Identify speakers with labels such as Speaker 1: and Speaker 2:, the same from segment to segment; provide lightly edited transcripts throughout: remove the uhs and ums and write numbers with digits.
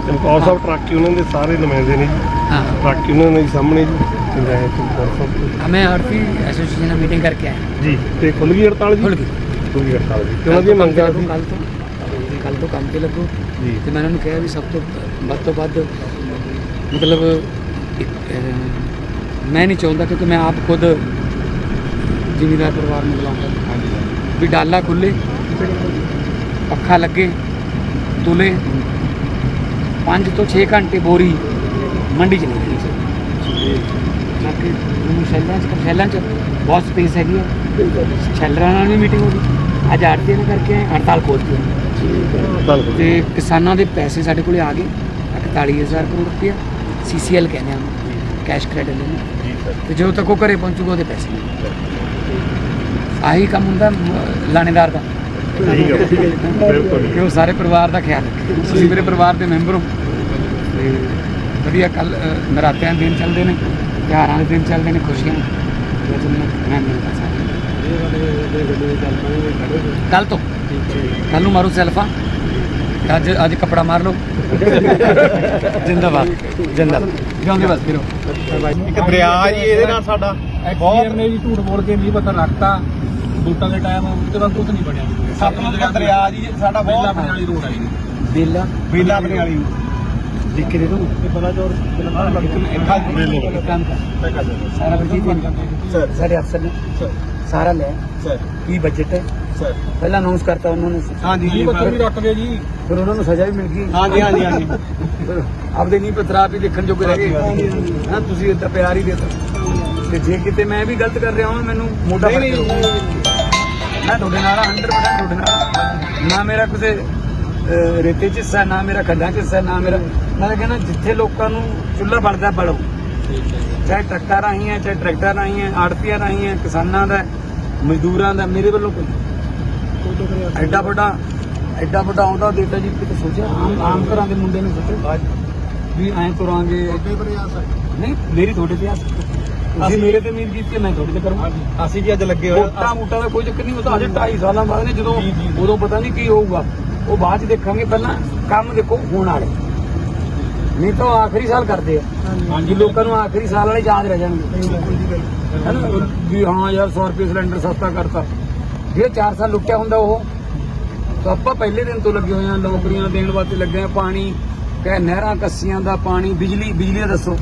Speaker 1: ਚਮਕੌਰ ਸਾਹਿਬ truck union ਦੇ ਸਾਰੇ ਨੁਮਾਇੰਦੇ ਨੇ ਜੀ।
Speaker 2: हाँ
Speaker 1: ਟਰੱਕ ਯੂਨੀਅਨ ਦੇ ਸਾਹਮਣੇ ਜੀ पंजाब चमकौर साहब
Speaker 2: हमें हड़पी एसोसिएशन में मीटिंग करके आए
Speaker 1: जी। तो खुल गई हड़ताल जी?
Speaker 2: खुल गई।
Speaker 1: खुल गई हड़ताल जी। तो उन्होंने मंगा सी
Speaker 2: कल तो काम ते लगो
Speaker 1: जी।
Speaker 2: तो मैंने उन्हें कहा भी सब तो ਵੱਧ मतलब मैं नहीं चाहता क्योंकि मैं आप खुद जिमीदार परिवार में बुलाऊँगा भी डाला खुले पखा लगे तुले 5 ਤੋਂ 6 घंटे बोरी मंडी च नहीं रही बाकी शैलों च बहुत स्पेस हैगी है शैलर ਨਾਲ भी मीटिंग हो गई ਅੱਜ ਆੜਤੀ ਨੇ ਕਰਕੇ ਹੜਤਾਲ ਖੋਲ੍ਹਤੀ ਤੇ ਕਿਸਾਨਾਂ ਦੇ ਪੈਸੇ ਸਾਡੇ ਕੋਲੇ ਆ ਗਏ 41,000 ਕਰੋੜ ਰੁਪਇਆ CCL ਕਹਿੰਦੇ ਆ ਕੈਸ਼ ਕ੍ਰੈਡਿਟ ਲੈਣੇ ਤੇ ਜਦੋਂ ਤੱਕ ਉਹ ਘਰੇ ਪਹੁੰਚੂਗਾ ਉਹਦੇ ਪੈਸੇ ਨਹੀਂ ਆਹੀ ਕੰਮ ਹੁੰਦਾ ਲਾਣੇਦਾਰ ਦਾ ਕਿ ਉਹ ਸਾਰੇ ਪਰਿਵਾਰ ਦਾ ਖਿਆਲ ਰੱਖੇ ਤੁਸੀਂ ਮੇਰੇ ਪਰਿਵਾਰ ਦੇ ਮੈਂਬਰ ਹੋ ਤੇ ਵਧੀਆ ਕੱਲ ਨਰਾਤਿਆਂ ਦੇ ਦਿਨ ਚੱਲਦੇ ਨੇ ਤਿਉਹਾਰਾਂ ਦੇ ਦਿਨ ਚੱਲਦੇ ਨੇ ਖੁਸ਼ੀਆਂ ਮੈਂ ਮਿਲਦਾ ਸਾਰਾ ਕੱਲ ਤੋਂ ਕੱਲ ਨੂੰ ਮਾਰੋ ਸੈਲਫਾ ਅੱਜ ਕੱਪੜਾ ਮਾਰ ਲਓ ਜਿੰਦਾਬਾਦ ਜਿੰਦਾਬਾਦ ਜਿਉਂਦੇ ਬਸ ਫਿਰੋ
Speaker 1: ਇੱਕ ਦਰਿਆ ਜੀ ਇਹਦੇ ਨਾਲ ਸਾਡਾ
Speaker 3: ਬਹੁਤ ਨੇ ਜੀ ਝੂਠ ਬੋਲ ਕੇ ਨਹੀਂ ਪਤਾ ਰੱਖਤਾ ਵੋਟਾਂ ਦੇ ਟਾਈਮ ਉਹਦੇ ਬਾਅਦ ਕੁਝ ਨਹੀਂ ਬਣਿਆ
Speaker 1: ਸਤਲੁਜ ਦਾ ਦਰਿਆ ਜੀ ਸਾਡਾ
Speaker 3: ਬੇਲਾ
Speaker 1: ਬਹੁਤ
Speaker 3: ਵਾਲੀ ਰੋਡ ਆਈ
Speaker 2: ਬੇਲਾ
Speaker 1: ਬੇਲਾ ਬਣੇ ਵਾਲੀ
Speaker 2: ਲਿਖ ਕੇ ਦੇ ਦੋ
Speaker 3: ਇਹ ਬਲਾਚੌਰ
Speaker 2: ਕੰਮ ਕਰ ਸਾਰਾ ਬਜਟ ਸਾਡੇ ਅਫਸਰ ਨੇ ਸਾਰਾ ਲੈ
Speaker 1: ਸਰ
Speaker 2: ਕੀ ਬਜਟ ਹੈ
Speaker 1: ਸਰ
Speaker 2: ਪਹਿਲਾਂ ਅਨਾਉਂਸ ਕਰਤਾ ਉਹਨਾਂ ਨੇ
Speaker 1: ਹਾਂਜੀ ਜੀ
Speaker 3: ਪੱਤਰ ਵੀ ਰੱਖ ਗਏ ਜੀ
Speaker 2: ਫਿਰ ਉਹਨਾਂ ਨੂੰ ਸਜ਼ਾ ਵੀ ਮਿਲ ਗਈ
Speaker 1: ਹਾਂਜੀ ਹਾਂਜੀ ਹਾਂਜੀ
Speaker 2: ਫਿਰ ਆਪਦੇ ਨਹੀਂ ਪਤਰਾ ਵੀ ਦੇਖਣ ਜੋਗੇ ਰਹਿ ਗਏ ਹਾਂ ਤੁਸੀਂ ਇੱਦਾਂ ਪਿਆਰ ਹੀ ਦੇਤਾ ਤੇ ਜੇ ਕਿਤੇ ਮੈਂ ਵੀ ਗਲਤ ਕਰ ਰਿਹਾ ਹਾਂ ਮੈਨੂੰ ਮੋਢਾ ਫੜ ਕੇ ਮੈਂ ਤੁਹਾਡੇ ਨਾਲ 100% ਤੁਹਾਡੇ ਨਾਲ ਨਾ ਮੇਰਾ ਕਿਸੇ ਰੇਤੇ 'ਚ ਹਿੱਸਾ ਨਾ ਮੇਰਾ ਖੱਡਾਂ 'ਚ ਹਿੱਸਾ ਨਾ ਮੇਰਾ ਮੈਂ ਕਹਿੰਦਾ ਜਿੱਥੇ ਲੋਕਾਂ ਨੂੰ ਚੁੱਲ੍ਹਾ ਬਲਦਾ ਬਲੋ ਚਾਹੇ ਟਰੱਕਾਂ ਰਾਹੀਂ ਹੈ ਚਾਹੇ ਟਰੈਕਟਰ ਰਾਹੀਂ ਹੈ ਆੜਤੀਆਂ ਰਾਹੀਂ ਹੈ ਕਿਸਾਨਾਂ ਦਾ ਮਜ਼ਦੂਰਾਂ ਦਾ ਮੇਰੇ ਵੱਲੋਂ ਕੋਈ ਐਡਾ ਵੱਡਾ ਆਉਂਦਾ ਦੇਤਾ ਜੀ ਕਿਤੇ ਸੋਚਿਆ ਆਮ ਘਰਾਂ ਦੇ ਮੁੰਡੇ ਨੂੰ ਸੋਚੋ ਵੀ ਐਂ ਤੁਰਾਂਗੇ ਨਹੀਂ ਮੇਰੀ ਤੁਹਾਡੇ ਤੇ ਆਸ ਅਸੀਂ ਮੇਰੇ ਤੇ ਉਮੀਦ ਕੀਤੀ ਮੈਂ ਤੁਹਾਡੇ ਤੇ ਕਰੂੰਗਾ
Speaker 1: ਅਸੀਂ ਜੀ ਅੱਜ ਲੱਗੇ ਹੋਏ
Speaker 2: ਮੋਟਾ ਦਾ ਕੋਈ ਚੱਕਰ ਨਹੀਂ ਉਹ ਤਾਂ ਅਜੇ 2.5 ਸਾਲਾਂ ਬਾਅਦ ਨੇ ਜਦੋਂ ਉਦੋਂ ਪਤਾ ਨਹੀਂ ਕੀ ਹੋਊਗਾ ਉਹ ਬਾਅਦ ਚ ਦੇਖਾਂਗੇ ਪਹਿਲਾਂ ਕੰਮ ਦੇਖੋ ਹੋਣ ਵਾਲੇ ਨਹੀਂ ਤਾਂ ਆਖਰੀ ਸਾਲ ਕਰਦੇ ਆ ਹਾਂਜੀ ਲੋਕਾਂ ਨੂੰ ਆਖਰੀ ਸਾਲ ਵਾਲੇ ਯਾਦ ਰਹਿ ਜਾਣਗੇ ਹੈ ਨਾ ਵੀ ਹਾਂ ਯਾਰ 100 ਰੁਪਏ ਸਿਲੰਡਰ ਸਸਤਾ ਕਰਤਾ ਜਿਹੜੇ 4 ਸਾਲ ਲੁੱਟਿਆ ਹੁੰਦਾ ਉਹ ਤਾਂ ਆਪਾਂ ਪਹਿਲੇ ਦਿਨ ਤੋਂ ਲੱਗੇ ਹੋਏ ਆ ਨੌਕਰੀਆਂ ਦੇਣ ਵਾਸਤੇ ਲੱਗੇ ਆ ਪਾਣੀ ਕਹੇ ਨਹਿਰਾਂ ਕੱਸੀਆਂ ਦਾ ਪਾਣੀ ਬਿਜਲੀ ਦਾ ਦੱਸੋ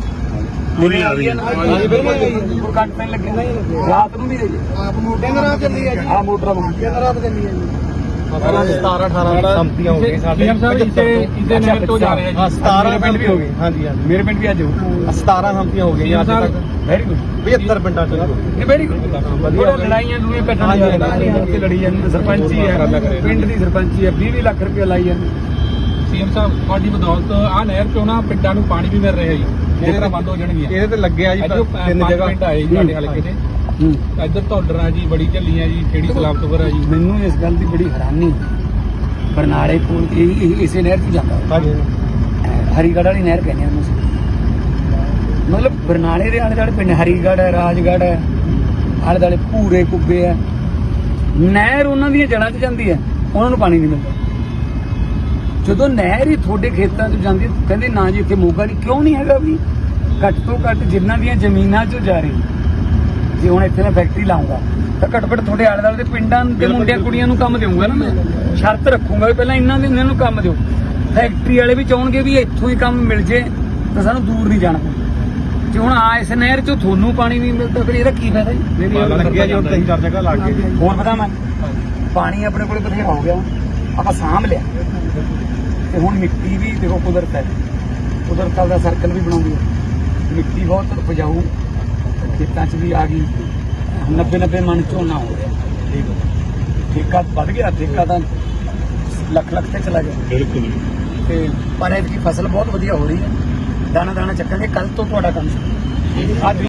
Speaker 2: ਕੱਟ ਪੈਣ ਲੱਗੇ ਰਾਤ ਨੂੰ ਵੀ ਆਪ ਮੋਟਰਾਂ ਚੱਲੀ ਹੈ ਆ ਮੋਟਰਾਂ ਰਾਤ ਚੱਲੀ ਹੈ
Speaker 1: 17-18 ਸੰਮਤੀਆਂ ਹੋ ਗਈਆਂ ਸਾਡੇ
Speaker 3: ਇਸੇ ਨਹਿਰ ਤੋਂ ਜਾ ਰਹੇ ਆ ਜੀ
Speaker 1: 17 ਪਿੰਡ ਵੀ ਹੋ ਗਏ ਹਾਂਜੀ ਹਾਂਜੀ
Speaker 2: ਮੇਰੇ ਪਿੰਡ ਵੀ ਅੱਜ ਹੋਊ
Speaker 1: 17 ਸੰਮਤੀਆਂ ਹੋ ਗਈਆਂ ਅੱਜ ਤੱਕ
Speaker 2: ਵੈਰੀ ਗੁੱਡ
Speaker 1: 75 ਪਿੰਡਾਂ ਚ
Speaker 2: ਇਹ ਵੈਰੀ ਗੁੱਡ ਵਧੀਆ ਲੜਾਈਆਂ ਲੂਏ ਪੈਟਾਂ ਤੇ ਲੜੀ ਜਾਂਦੇ ਸਰਪੰਚੀ ਹੈ ਪਿੰਡ ਦੀ ਸਰਪੰਚੀ ਹੈ 20 ਲੱਖ ਰੁਪਏ ਲਾਈ ਜਾਂਦੇ
Speaker 3: ਸੀਐਮ ਸਾਹਿਬ ਤੁਹਾਡੀ ਬਦੌਲਤ ਆ ਨਹਿਰ ਚੋਂ ਨਾ ਪਿੰਡਾਂ ਨੂੰ ਪਾਣੀ ਵੀ ਮਿਲ ਰਿਹਾ ਜੀ ਮੋਟਰਾਂ ਬੰਦ ਹੋ ਜਾਣਗੀਆਂ
Speaker 1: ਇਹਦੇ ਤੇ ਲੱਗਿਆ ਜੀ 3 ਜਗ੍ਹਾ
Speaker 3: ਪਿੰਡ ਆਏ ਜੀ ਸਾਡੇ ਹਲਕੇ ਦੇ ਇੱਧਰ ਧੌਲਰਾ ਜੀ ਬੜੀ ਝੱਲੀਆਂ ਜੀ ਖੇੜੀ ਸਲਾਮਤਪੁਰ ਆ ਜੀ
Speaker 2: ਮੈਨੂੰ ਇਸ ਗੱਲ ਦੀ ਬੜੀ ਹੈਰਾਨੀ ਬਰਨਾਲੇ ਕੋਲ ਇਸੇ ਨਹਿਰ 'ਚ ਜਾਂਦਾ
Speaker 1: ਹਾਂਜੀ
Speaker 2: ਹਰੀਗੜ੍ਹ ਵਾਲੀ ਨਹਿਰ ਕਹਿੰਦੇ ਉਹਨੂੰ ਮਤਲਬ ਬਰਨਾਲੇ ਦੇ ਆਲੇ ਦੁਆਲੇ ਪਿੰਡ ਹਰੀਗੜ੍ਹ ਹੈ ਰਾਜਗੜ੍ਹ ਹੈ ਆਲੇ ਦੁਆਲੇ ਭੂਰੇ ਕੁੱਬੇ ਹੈ ਨਹਿਰ ਉਹਨਾਂ ਦੀਆਂ ਜੜ੍ਹਾਂ 'ਚ ਜਾਂਦੀ ਹੈ ਉਹਨਾਂ ਨੂੰ ਪਾਣੀ ਨਹੀਂ ਮਿਲਦਾ ਜਦੋਂ ਨਹਿਰ ਹੀ ਤੁਹਾਡੇ ਖੇਤਾਂ 'ਚ ਜਾਂਦੀ ਕਹਿੰਦੇ ਨਾ ਜੀ ਇੱਥੇ ਮੋਗਾ ਨਹੀਂ ਕਿਉਂ ਨਹੀਂ ਹੈਗਾ ਵੀ ਘੱਟ ਤੋਂ ਘੱਟ ਜਿਨ੍ਹਾਂ ਦੀਆਂ ਜ਼ਮੀਨਾਂ 'ਚੋਂ ਜਾ ਰਹੀ ਜੇ ਹੁਣ ਇੱਥੇ ਮੈਂ ਫੈਕਟਰੀ ਲਾਉਂਗਾ ਤਾਂ ਘੱਟੋ ਘੱਟ ਤੁਹਾਡੇ ਆਲੇ ਦੁਆਲੇ ਦੇ ਪਿੰਡਾਂ ਦੇ ਮੁੰਡਿਆਂ ਕੁੜੀਆਂ ਨੂੰ ਕੰਮ ਦੇਵਾਂਗਾ ਨਾ ਮੈਂ ਸ਼ਰਤ ਰੱਖੂੰਗਾ ਵੀ ਪਹਿਲਾਂ ਇਹਨਾਂ ਨੂੰ ਕੰਮ ਦਿਓ ਫੈਕਟਰੀ ਵਾਲੇ ਵੀ ਚਾਹਣਗੇ ਵੀ ਇੱਥੋਂ ਹੀ ਕੰਮ ਮਿਲ ਜੇ ਤਾਂ ਸਾਨੂੰ ਦੂਰ ਨਹੀਂ ਜਾਣਾ ਜੇ ਹੁਣ ਇਸ ਨਹਿਰ 'ਚੋਂ ਤੁਹਾਨੂੰ ਪਾਣੀ ਨਹੀਂ ਮਿਲਦਾ ਫਿਰ ਇਹਦਾ ਕੀ ਫਾਇਦਾ ਜੀ
Speaker 1: ਲੱਗਿਆ ਜੀ ਹੁਣ 3-4 ਜਗ੍ਹਾ ਲੱਗ ਗਏ
Speaker 2: ਹੋਰ ਪਤਾ ਮੈਂ ਪਾਣੀ ਆਪਣੇ ਕੋਲ ਬਥੇਰਾ ਹੋ ਗਿਆ ਆਪਾਂ ਸਾਂਭ ਲਿਆ ਤੇ ਹੁਣ ਮਿੱਟੀ ਵੀ ਦੇਖੋ ਕੁਦਰਤ ਹੈ ਕੁਦਰਤ ਦਾ ਸਰਕਲ ਵੀ ਬਣਾਉਂਦੀ ਹੈ ਮਿੱਟੀ ਬਹੁਤ ਉਪਜਾਊ ਖੇਤਾਂ 'ਚ ਵੀ ਆ ਗਈ 90 ਮਣ ਝੋਨਾ ਹੋ ਰਿਹਾ ਠੇਕਾ ਵੱਧ ਗਿਆ ਠੇਕਾ ਤਾਂ ਲੱਖ ਤੇ ਚਲਾ ਗਿਆ
Speaker 1: ਬਿਲਕੁਲ
Speaker 2: ਤੇ ਪਰ ਇਹਦੀ ਫਸਲ ਬਹੁਤ ਵਧੀਆ ਹੋ ਰਹੀ ਹੈ ਦਾਣਾ ਚੱਕਾਂਗੇ ਕੱਲ ਤੋਂ ਤੁਹਾਡਾ ਕੰਮ ਅੱਜ